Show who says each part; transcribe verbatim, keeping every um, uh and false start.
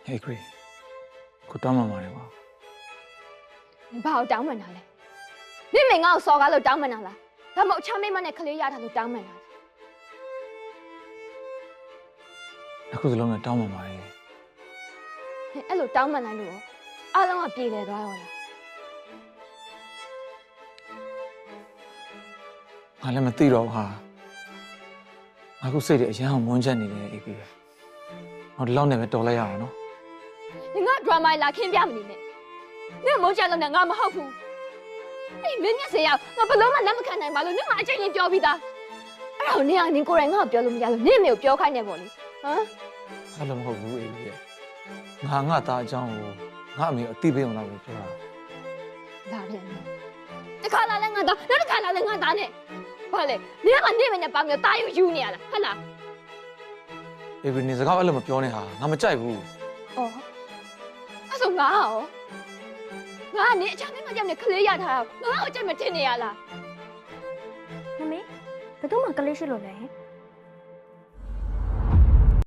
Speaker 1: Hey, Gray. Good time, Mama.
Speaker 2: 你把我当门了嘞？你没我说个就当门了，他冇前面么那可怜呀，他就当门了。
Speaker 1: အခုစလုံးနဲ့တောင်းပန်ပါလေ
Speaker 2: အဲ့လိုတောင်းပန်လိုက်လို့အားလုံးကပြေလည်သွားရောလား
Speaker 1: ငါလည်းမသိတော့ဘူးဟာငါခုစိတ်တွေအရန်အောင်မွန်းချက်နေတယ်အေးပြီဟောဒီလောက်နဲ့ပဲတော်လိုက်ရအောင်နော်
Speaker 2: 你我 drama လာခင်းပြမနေနဲ့你冇ကြလို့နဲ့ငါမဟုတ်ဘူးအေးမင်းမျက်စိရငါဘလုံးမလက်မခံနိုင်ပါလို့နင်ကအချိန်ချင်းပြောပြီးသားအဲ့တော့နင်ကနင်ကိုယ်တိုင်ငါ့ကိုပြောလို့မရလို့နင်မေကိုပြောခိုင်းနေပေါ့လေဟမ်
Speaker 1: အဲ့လိုမဟုတ်ဘူးအေးပြီငါငါသားအကြောင်းကိုငါအမေအသိပေးအောင်လုပ်ပြောတာ
Speaker 2: လာပြန်တယ်တခါလာလဲငါသားနောက်တစ်ခါလာလဲငါသားနဲ့ဘာလဲနင်ကနေမနဲ့ပါမျိုးတာယူယူနေရလားဟုတ်လား
Speaker 1: အေးပြီနေစကားအဲ့လိုမပြောနဲ့ဟာငါမကြိုက်ဘူး
Speaker 2: 哦，那是我哦，我你前面我叫你可怜呀他，我我叫你听你呀啦。
Speaker 3: မမေဘယ်သူမှကလေးရှိလို့လဲ